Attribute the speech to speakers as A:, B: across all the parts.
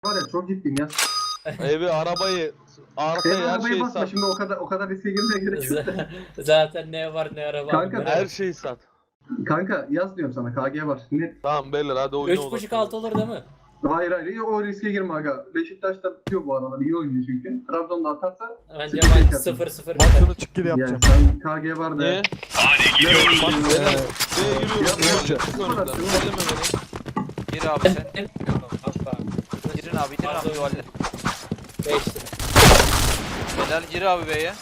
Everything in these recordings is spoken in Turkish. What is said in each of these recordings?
A: Var ya çok ciddiyim ya.
B: Evi, arabayı, arkayı, her
A: Arabayı
B: şeyi
A: basma
B: sat.
A: şimdi o kadar riske girmeye gerek yok.
C: Zaten ne var ne araba.
A: Kanka,
B: Her şeyi sat.
A: Kanka yaz diyorum sana KG var. Net.
B: Tamam beyler hadi oyuna
C: 3.5-6 olur değil mi?
A: Hayır o riske girme aga. Beşiktaş da tutuyor bu aralar iyi oynuyor çünkü. Trabzon'da atarsa
C: Bence
A: sıkıntı
C: maç
A: yaşarsın.
C: 0-0
D: Maç
C: biter.
D: sonu çık geri
A: yani
D: yapacağım.
A: sen KG var da.
B: Niye?
A: Beyler,
B: Beyler, B'ye
A: Yapma,
B: giriyorum.
A: yapma.
B: Çık önümden. Elleme beni.
E: Gir abi sen. Girin abi yuvarla.
C: 5 lira.
E: Helal gir abi B'ye.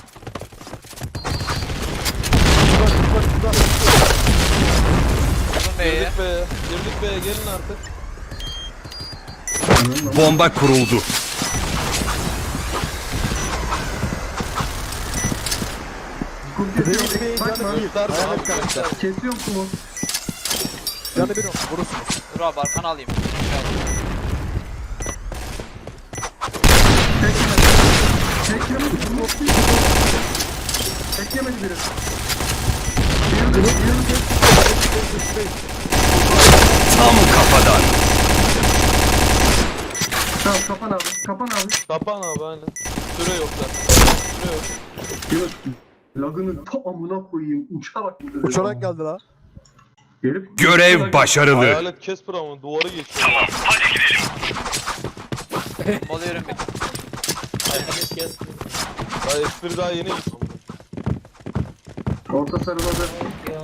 E: Vurdum B'ye.
B: Girdik B'ye. Girdik B'ye, gelin artık.
F: Bomba kuruldu.
A: Bakma.
B: Göster
D: Hayal
B: abi,
D: et kanka.
B: göster.
A: Kesiyor musun o?
D: Canı bir vurursun.
E: Dur abi arkanı alayım.
A: Tek yemedi. Tek yemedi biri.
F: Tam kafadan.
A: Tamam kapan abi. Kapan abi.
B: Kapan abi aynen. Süre yok zaten. Süre yok.
A: Yunus. Lagını ta amına koyayım. Uçarak gidiyor.
D: Uçarak geldi la.
A: Herif
F: Görev başarılı.
B: Hayalet Casper ama duvarı geçiyor.
E: Bombalıyorum bir.
C: Hayret kes.
B: Daha espri daha yeni gitti.
A: Orta sarıladı.
C: Ya.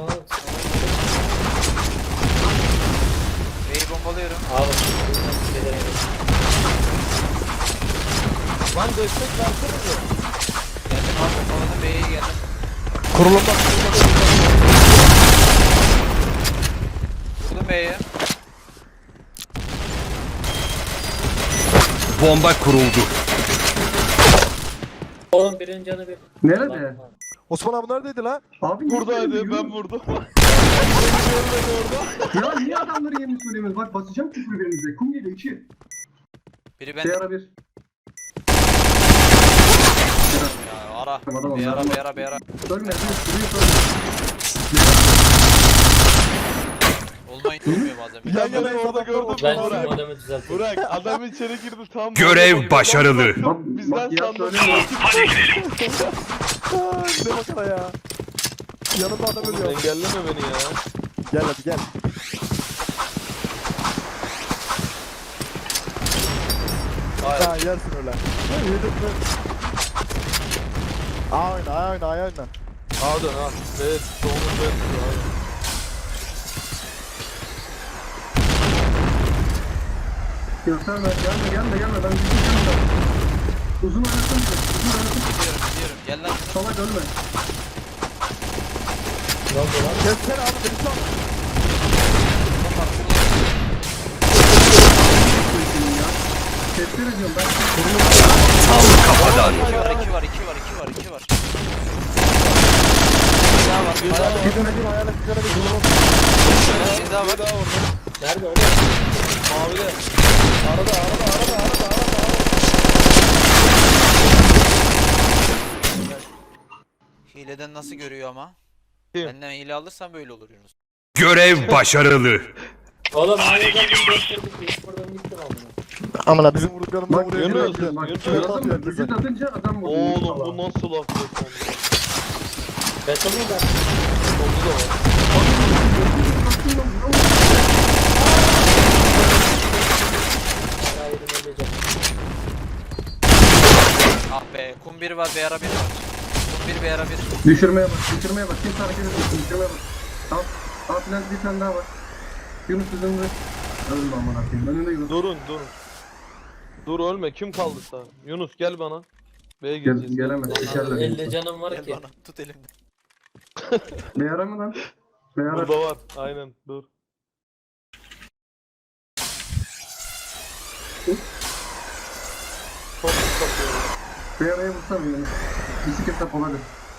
E: B'yi bombalıyorum.
C: Abi.
B: Lan destek versene de.
E: Geldim abi bombaladım B'ye geldim.
D: Kurulumda.
E: Vurdum B'ye.
F: Bomba kuruldu.
C: Oğlum birinin canı bir.
A: Nerede?
D: Osman abi neredeydi la?
A: Abi niye
B: Buradaydı,
A: söylemiyorsun?
B: ben vurdum.
A: Ya niye adamları yerini söylemiyorsun? Bak basacağım küfür birinize. Kum geliyor 2.
E: Biri ben.
A: Şey ara 1.
E: Ya ara.
A: Tamam,
E: B ara
A: tamam.
E: B ara B ara.
A: Ölme. Duruyor sonra.
E: Olmayın olmuyor bazen. Bir
D: Yan
E: daha
D: yana
B: orada gördüm.
C: Ben
B: Burak.
C: şu adamı düzelteyim.
B: Burak adam içeri girdi tam.
F: Görev başarılı.
A: Bak,
B: Bizden
A: bak ya
B: sandım.
A: söylemiyorum.
D: Ne bakara ya. Yanımda adam ölüyor.
B: Engelleme beni ya.
D: Gel hadi gel.
B: Hayır.
D: Ha yersin öyle. Yedim mi? A oyna A oyna A oyna.
B: Al dön al. Evet. Doğumuz ben tutuyor.
A: Gösterme. Gelme. Ben gideceğim. Uzun oynasın. Uzun oynasın.
E: Gidiyorum. Gel lan.
A: Salak ölme.
C: Ne oldu lan?
D: Kessene abi beni sal.
A: Tepki ediyorum ben.
F: Tam kafadan.
E: 2 var 2 var 2 var 2 var 2 var. Bir daha var. Bir daha var.
D: Gidemediğim hayal ettiklerine bir durum.
E: Bir daha var.
C: Nerede oğlum?
B: Mavide. Arada.
E: Hileden nasıl görüyor ama?
B: Kim?
E: Benden hile alırsan böyle olur Yunus.
F: Görev başarılı.
C: Oğlum hadi gidiyoruz. Buradan gittim amına.
D: Amına bizim vurduklarımızı
A: Bak
D: vuruyor.
B: Yunus,
D: Yunus.
A: Bak
B: Yunus.
A: gördün mü? Vücut atınca adam vuruyor.
B: Oğlum bu nasıl laf yok sende?
C: Beton mu ben?
B: Solda da var.
C: Hayır öleceğim.
E: Ah be. Kum 1 var. B ara 1 var. Kum 1 B ara 1.
A: Düşürmeye bak. Kimse hareket etmesin. Düşürmeye bak. Al filan bir tane daha var. Yunus üzerinde. Ölme aman akıyım. Önünde Yunus.
B: Durun. Dur ölme. Kim kaldı sağ? Yunus gel bana. B'ye gireceğiz.
A: Gelemez. Sikerler.
C: 50 canım var
E: Gel
C: ki.
E: bana. Tut elimden.
A: Beyara mı lan? Beyara.
B: Burada var. Aynen dur. Çok kapıyorum.
A: Beyara'ya vursana Yunus. Bisikletle poladı.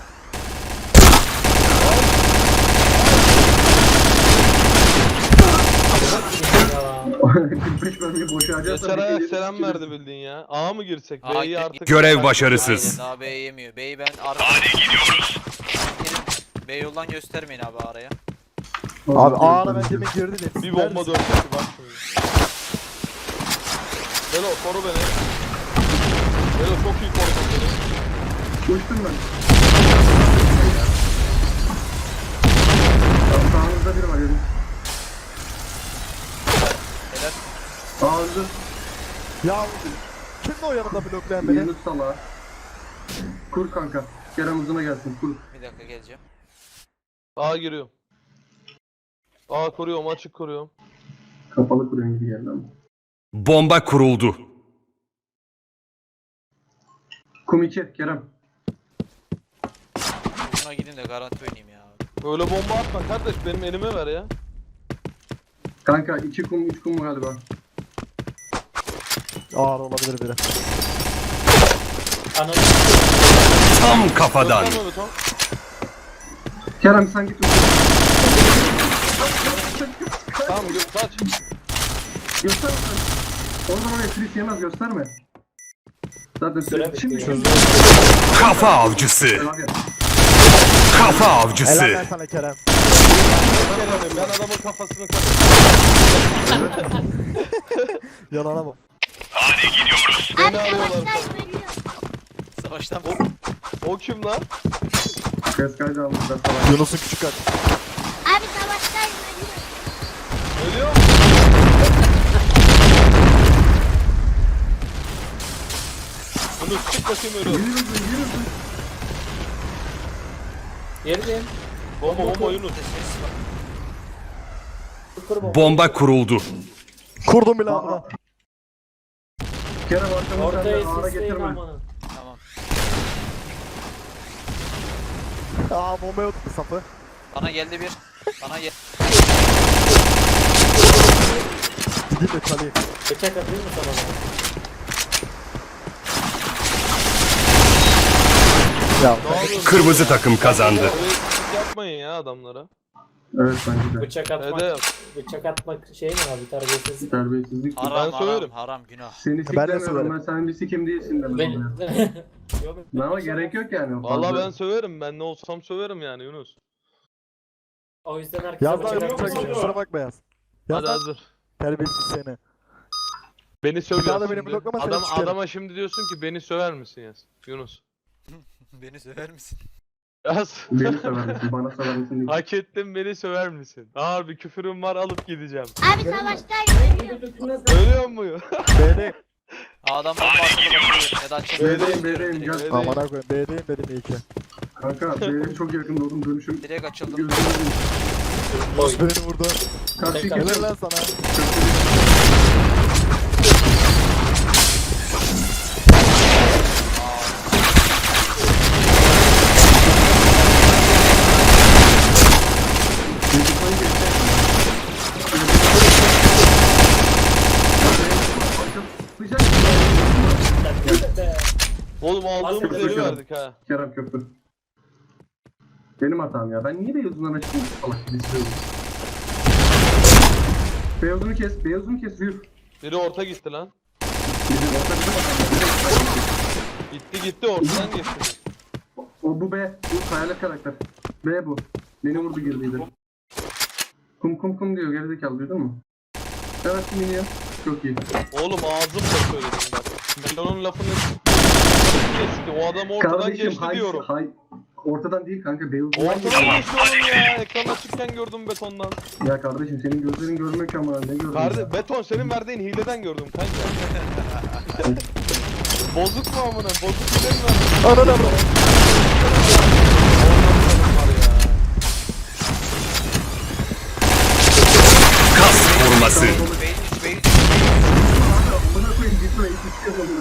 C: Ya.
A: 45 bölgeyi boşa harcarsan.
B: Geçer ayak selam verdi bildiğin ya. A mı girsek?
E: Aa,
B: B'yi
E: gir-
B: artık...
F: Görev başarısız.
E: Aynen daha B yemiyor. B'yi ben ara. Hadi gidiyoruz. B yoldan göstermeyin abi araya.
D: Abi A'na ben demin girdi de.
B: Bir bomba döndü bak şimdi. Belo koru beni. Belo çok iyi korudun beni.
A: Uçtum ben. Tam sağınızda biri var yedim.
E: Helal.
A: Öldü.
D: Ya kimdi o yanımda bloklayan beni?
A: Yunus salağı. Kur kanka. Kerem uzuna gelsin kur.
E: Bir dakika geleceğim.
B: A giriyorum. A kuruyorum, açık kuruyorum.
A: Kapalı kuruyor gibi geldi ama.
F: Bomba kuruldu.
A: Kum 2 Kerem.
E: Buna gidin de garanti oynayayım ya.
B: Böyle bomba atma kardeş, benim elime ver ya.
A: Kanka 2 kum 3 kum galiba.
D: Ağır olabilir biri.
C: Ananı
F: Tam kafadan.
B: Gösterme Beton.
A: Kerem sen git.
B: Tamam kaç.
A: Gösterme sen. Oradan oraya tris yemez gösterme. Zaten
C: Süre
A: şimdi
C: bitiyor.
F: Kafa avcısı.
A: Hadi.
F: Kafa
D: Helal
F: avcısı.
D: lan sana Kerem.
B: Ben adamın kafasını kaç.
D: Yalana bak.
B: Beni arıyorlar.
E: Savaştan
B: O kim lan?
A: Ses kaydı almışlar falan.
D: Yunus'un küçük kaç.
G: Abi savaştayım ölüyorum.
B: Ölüyor mu? Bunu çık bakayım ölüyor.
C: Yerim.
B: Bomba Yunus.
C: Kur bomba.
F: Bomba kuruldu.
D: Kurdum bile amına.
A: Kerem arkamı
C: Ortaya
A: senden ağara
C: sisleyin
A: getirme.
C: amanın.
E: tamam.
D: Aa bombaya oturdu sapı.
E: Bana geldi bir. Bana gel.
D: Gideyim de çalayım.
C: Bıçak atayım mı sana bana?
D: Ya
B: Ne yapıyorsun?
F: Kırmızı takım kazandı.
B: Böyle küçük yapmayın ya adamlara.
A: Evet bence de.
C: Bıçak atmak.
B: Edep.
C: Bıçak atmak şey mi abi terbiyesizlik?
A: Terbiyesizlik.
E: Haram
B: Ben söylerim.
E: haram günah.
A: Seni
D: Ben de
A: siklemiyorum
D: söylerim.
A: ben sen bir sikim değilsin dedim.
C: Ben...
A: oluyor.
C: Yok,
A: Ama gerek yok yani.
B: Vallahi
A: Fazla-
B: ben söverim. Ben ne olsam söverim yani Yunus.
C: O yüzden herkese
D: yaz lan
C: bıçak
D: yapacak
C: atmak.
D: şey. Kusura bakma yaz. Yaz
B: Hadi
D: lan.
B: hazır.
D: Terbiyesiz seni.
B: Beni
D: Bir daha
B: sövüyorsun
D: da beni
B: şimdi.
D: bloklama, seni sikerim.
B: Adama şimdi diyorsun ki beni söver misin yaz. Yunus.
E: Beni söver misin?
B: Yaz.
A: Beni sever misin? Bana sever misin? Değil.
B: Hak ettim, beni söver misin? Ağır bir küfürüm var, alıp gideceğim.
G: Abi savaştayım ölüyorum.
B: Ölüyor muyum?
D: B'deyim.
E: Adam bomba atılır. Ya da açılır.
A: B'deyim B'deyim gel.
B: B'deyim.
D: Amına koyayım. B'deyim dedim iyi ki.
A: Kanka B'deyim çok yakında oldum dönüşüm.
E: Direkt açıldım.
A: Gözlerim.
C: Oy.
D: Beni vurdu.
A: Karşı
C: Tekrar.
D: Helal
A: geçiyorum.
D: lan sana.
B: Oğlum aldığımız
C: Aslında
B: yeri
A: kötü.
B: verdik ha.
A: Kerem köprü. Benim hatam ya. Ben niye Beyazı'ndan açtım? Salak gibi istiyorum. Beyazını kes. Beyazını kes. Yürü.
B: Biri orta gitti lan.
A: Bizim orta bizim hatam.
B: Gitti ortadan geçti.
A: O bu B. Bu hayalet karakter. B bu. Beni vurdu girdiydi. Kum diyor. Gerizekalı duydun mu? Evet minyon. Çok iyi.
B: Oğlum ağzımla söyledim bak. Ben onun lafını geçti. O adam ortadan
A: Kardeşim
B: geçti diyorum.
A: Ortadan değil kanka. Beyazı'ndan
B: Ortadan
A: geçti.
B: geçti oğlum ya. Ekran açıkken gördüm betondan.
A: Ya kardeşim senin gözlerin görmek ama ne gördün?
B: Beton senin verdiğin hileden gördüm kanka. Bozuk mu amına? Bozuk hile mi verdin?
D: Ananı avradım.
F: Kas vurması.
E: Beyin üç, beyin üç.
A: Buna koyayım gitme. Hiç istiyorum.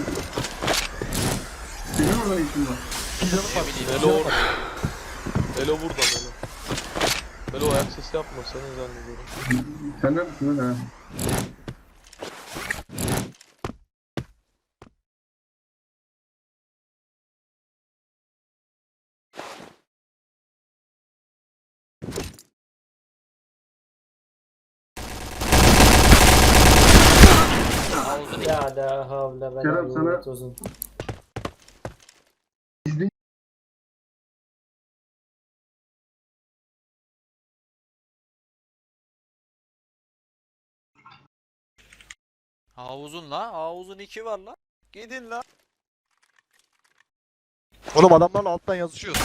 A: Senin orada ne işin var?
B: Melo orada. Melo burada Melo. Melo ayak sesi yapma seni zannediyorum.
A: Sen neredesin lan ha?
C: Ya da havle ve
A: Kerem, sana-
C: la uzun.
E: Havuzun la. Havuzun 2 var la. Gidin la.
D: Oğlum adamlarla alttan yazışıyoruz.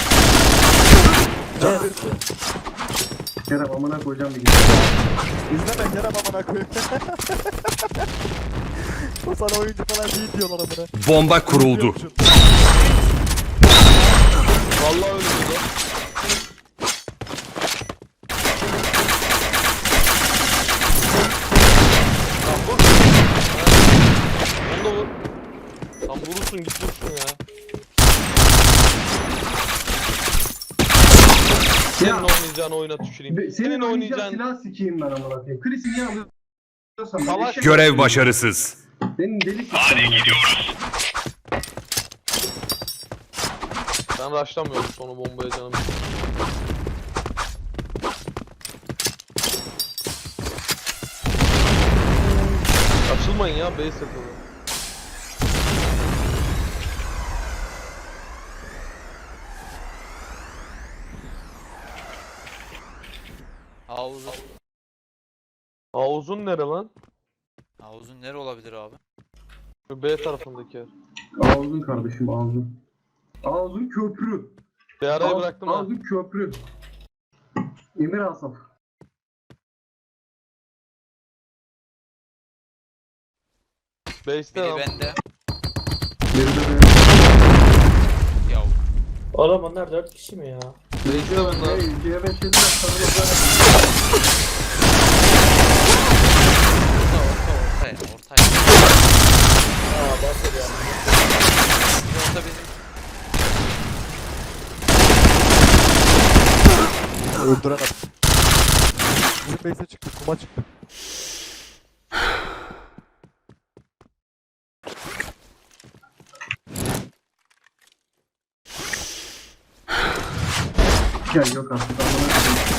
A: Kerem amına koyacağım bir gün.
D: İzleme Kerem amına koyayım. O sana oyuncu falan değil diyorlar amına.
F: Bomba kuruldu.
B: Vallahi öyle dedi. Lan vur. Onu da vur. Lan vurursun git vursun ya. Senin oynayacağın oyuna tüküreyim.
A: Senin oynayacağın
B: oynayacağın...
A: silah sikeyim ben amına koyayım. Chris'i niye alıyorsan ben
B: Savaş-
A: eşek-
F: Görev başarısız.
A: Senin deli sikeyim. Hadi gidiyoruz.
B: Ben rushlamıyorum sonu bombaya canım. Açılmayın ya base yapalım.
E: Havuzun.
B: Havuzun nere lan?
E: Havuzun nere olabilir abi?
B: Şu B tarafındaki yer.
A: Ağzın kardeşim ağzın. Ağzın köprü.
B: Bir araya bıraktım ha.
A: Ağzın köprü. Emir Asaf.
B: Base'te
E: Biri
B: lan.
E: bende.
A: Geride de.
E: Yav.
C: Oğlum onlar 4 kişi mi ya?
B: Base'te bunlar.
A: Hey, C5 yediler sarılacak.
E: Ortaya.
C: Aa bahsediyorum.
E: Orta bizim.
D: Öldüren adam. Bizim base'e çıktı, kuma çıktı.
A: Gel yok artık. amına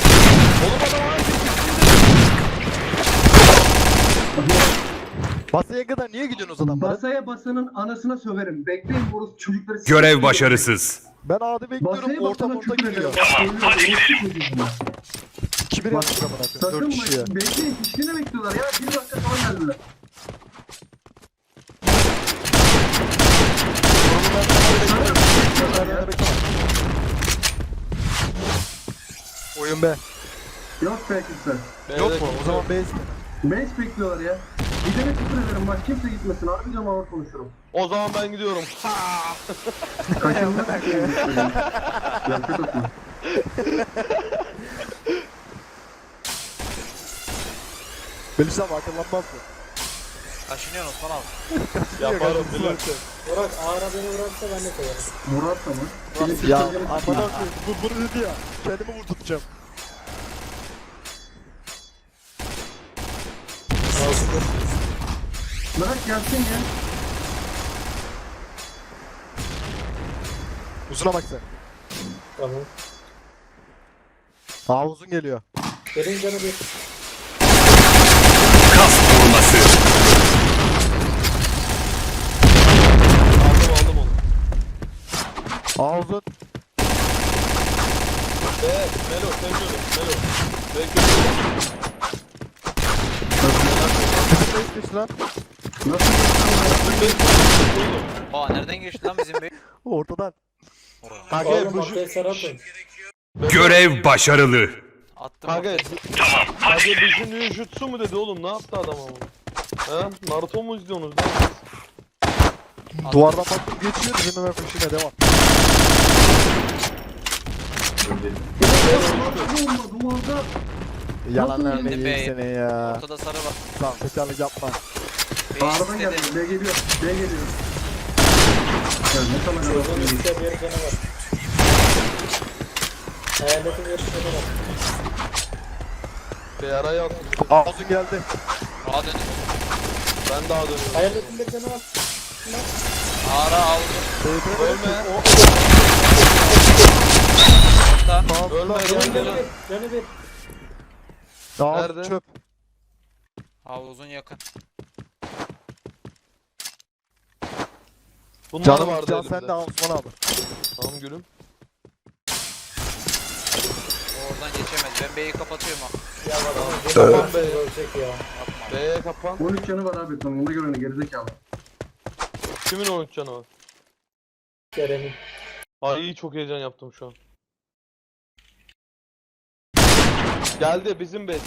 A: koyayım.
D: Basaya kadar niye gidiyorsunuz adamlara?
A: Basaya basanın anasına söverim. Bekleyin bu çocukları.
F: Görev başarısız.
D: Ben A'da bekliyorum,
A: Basaya
D: orta
A: basana
D: orta
A: küfür
D: gidiyor.
A: ederim. Hadi gidelim.
D: 2-1
A: Bak,
D: yaptık amına koyayım,
A: Sakın
D: 4 kişiye.
A: bak. Bekleyin. Piştiğini bekliyorlar ya. 1 dakika sonra geldiler.
D: Nerede bekle. Oyun B.
A: Yok be kimse.
D: Yok mu? O zaman base.
A: Base bekliyorlar ya. Gidene küfür ederim. Bak kimse gitmesin. Harbi diyorum ağır konuşurum.
B: O zaman ben gidiyorum.
A: Kaçınmak Gerçek atma.
D: Belisam akıllanmaz mı?
E: Kaşınıyorsun Osman abi.
B: Yaparım bilirsin.
C: Burak ağır beni vurarsa ben de koyarım.
A: Murat da mı?
D: Ya amına koyayım, bunu dedi ya. Kendimi vurdurtacağım.
A: Bırak gelsin ya.
D: Uzuna bak sen.
C: Tamam.
D: Aa uzun geliyor.
C: Benim canı bir.
F: Kas koruması.
B: Aldım onu.
D: Aa uzun.
B: Evet Melo sen şöyle Melo. Bekliyorum.
D: Bizim base geçti lan.
A: Nasıl
E: Aa nereden geçti lan bizim bey?
D: Ortadan.
C: Oğlum
D: Kanka bu
C: ortaya sarı atın.
F: Görev başarılı.
E: Attım
B: Kanka
E: ortaya.
B: Kanka bizim ninjutsu mu dedi oğlum ne yaptı adam ama? He? Naruto mu izliyorsunuz lan?
D: duvardan baktım geçiyor, bizim hemen peşine devam.
A: Duvarda
D: Yalan
A: Nasıl
D: vermeyi
E: bildim be?
D: seni ya.
E: Ortada sarı var.
D: Tamam tekrarlık yapma.
A: Bağırdan geldi. B geliyor. B geliyor. Ya ne kadar
C: Çocuğun
A: yavaş
C: üstte bir canı var. Hayaletin bir canı var.
B: Bir araya attım.
D: Aa uzun geldi.
E: Aa döndüm.
B: Ben daha dönüyorum.
C: Hayaletin bir canı var.
E: Ağra aldım.
B: Ölme.
E: Orta.
B: Ölme
C: Canı
B: gel gel.
C: bir. Canı bir.
D: Aa
B: Nerede?
D: çöp.
E: Havuzun yakın.
B: Bunlar
D: Canım
B: vardı
D: can
B: elimde.
D: sen de al Osman abi.
B: Tamam gülüm.
E: Oradan geçemez. Ben B'yi kapatıyorum ha.
C: Ya var ama.
B: Tamam be.
C: Ölecek ya.
E: Yapma.
B: B'ye kapan.
A: 13 canı var abi son. Ona göre ne gerizekalı.
B: Kimin 13 canı var?
C: Kerem'in.
B: Ay çok heyecan yaptım şu an. Geldi bizim B.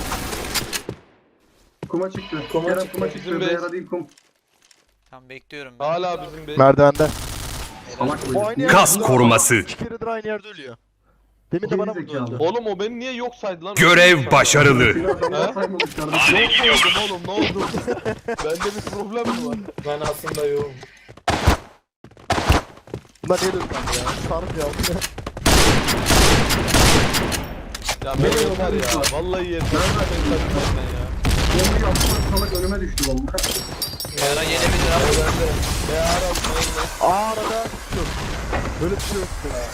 A: Kuma çıktı.
C: Kuma
A: Kerem
C: çıktı.
A: kuma çıktı.
B: Bizim base.
A: Beyara değil kum.
E: Tamam bekliyorum ben.
B: Hala bizim B.
D: Merdivende.
A: Salak
D: O
A: bu.
D: aynı yerde
F: Kas
D: ölüyor.
F: koruması.
D: 2 keredir aynı yerde ölüyor. Demin de bana vurdu
A: Gerizekalı.
D: öldü.
B: Oğlum o beni niye yok saydı lan?
F: Görev başarılı.
A: Seni adamlar
B: He?
A: saymamış kardeşim.
B: Yok oldum oğlum ne oldu? Bende bir problem mi var?
C: Ben aslında yoğum.
D: Bunlar niye döndü ya? Sarp ya.
B: Ya ben yeter ya. Vallahi yeter. Ben ya.
A: Bombayı atmak salak önüme düştü bomba.
E: Yara gelebilir abi.
B: B ara
D: Aa arada yok. Böyle bir şey yok ya.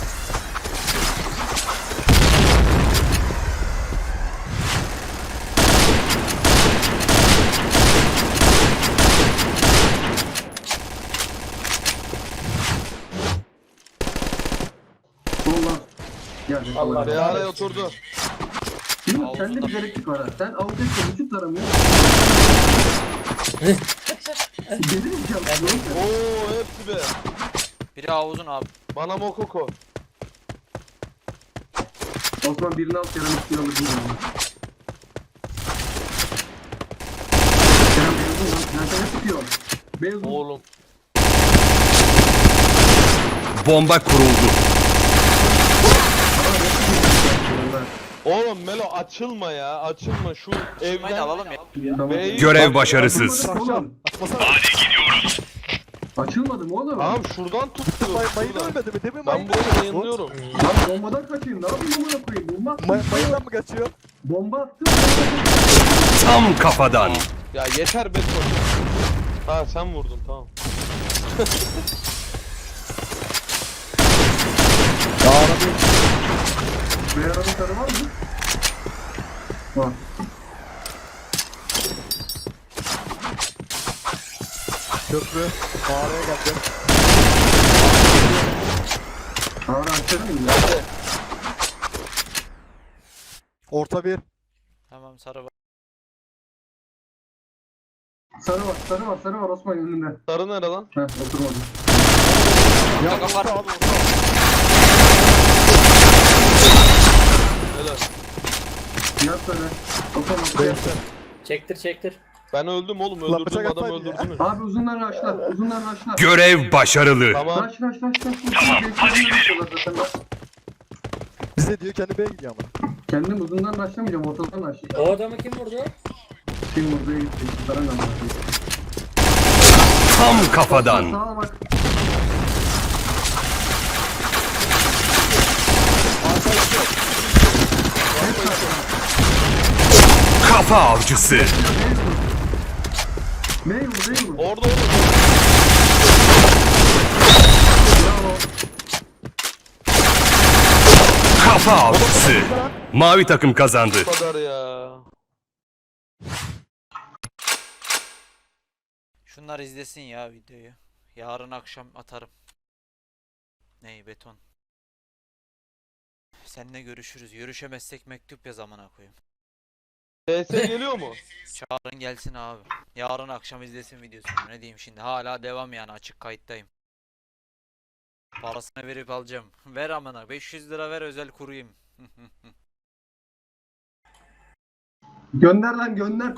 A: Soldan. Gel.
C: Allah
B: B araya oturdu.
A: Şimdi
E: Avuzda.
A: sende bir gereklik var ha. Sen avuçta vücut taramıyorsun. Gelir mi canım?
B: Oo hepsi B.
E: Biri havuzun abi.
B: Bana Mokoko.
A: Osman birini al Kerem ikiyi alır. Kerem beyazın lan. Nerede ne tutuyor? Beyazın.
B: Oğlum.
F: Bomba kuruldu.
B: Oğlum Melo açılma ya. Açılma şu
E: Mayın
B: evden.
E: alalım ya.
A: Tamam.
B: B'yi-
F: Görev başarısız.
A: Açılmadı mı oğlum?
D: Açmasana.
A: Açılmadı mı oğlum?
B: Tamam şuradan tuttu.
D: Mayın
B: şuradan.
D: ölmedi mi? Demin
B: Ben
D: mayın
B: burayı
D: ölmedi.
B: yayınlıyorum.
A: Lan bombadan kaçayım. Ne yapayım amına koyayım? Bomba attım.
D: Mayından mı kaçıyor?
A: Bomba attım.
F: Tam kafadan.
B: Ya yeter be. Ha sen vurdun tamam.
D: Ya arabayı.
A: Beyazın sarı var mı? Var.
D: Köprü. Mağaraya geldi.
A: Ağrı açalım mı?
B: Nerede?
D: Orta bir.
E: Tamam sarı var.
A: Sarı var, sarı var, sarı var Osman önünde.
B: Sarı nere lan?
A: Heh, oturmadı.
D: Ya
E: Takım var.
D: orta abi orta.
B: Helal.
A: Yat söyle. Osman atla.
D: Beyazı.
C: Çektir.
B: Ben öldüm oğlum.
D: Lan
B: Öldürdüğüm
D: bıçak
B: adamı
D: atmayın ya.
B: öldürdünüz.
A: Abi uzunlar raşlar, uzunlar raşlar.
F: Görev başarılı.
B: Tamam.
A: Raş. Tamam, hadi gidelim.
D: Bize diyor kendi B'ye gidiyor ama.
A: Kendim uzundan raşlamayacağım, ortadan raşlayacağım.
C: O adamı kim vurdu?
A: Kim buraya gitti? Sarı ne
F: Tam kafadan.
A: Sağa bak.
F: Kafa avcısı.
A: Meyvur.
B: Orada.
A: Bravo.
F: Kafa avcısı. Mavi takım kazandı.
B: Bu kadar ya.
E: Şunlar izlesin ya videoyu. Yarın akşam atarım. Ney beton. Seninle görüşürüz. Görüşemezsek mektup yaz amına koyayım.
B: TS geliyor mu?
E: Çağırın gelsin abi. Yarın akşam izlesin videosunu. Ne diyeyim şimdi? Hala devam yani açık kayıttayım. Parasını verip alacağım. Ver amına. 500 lira ver özel kurayım.
A: Gönder lan gönder.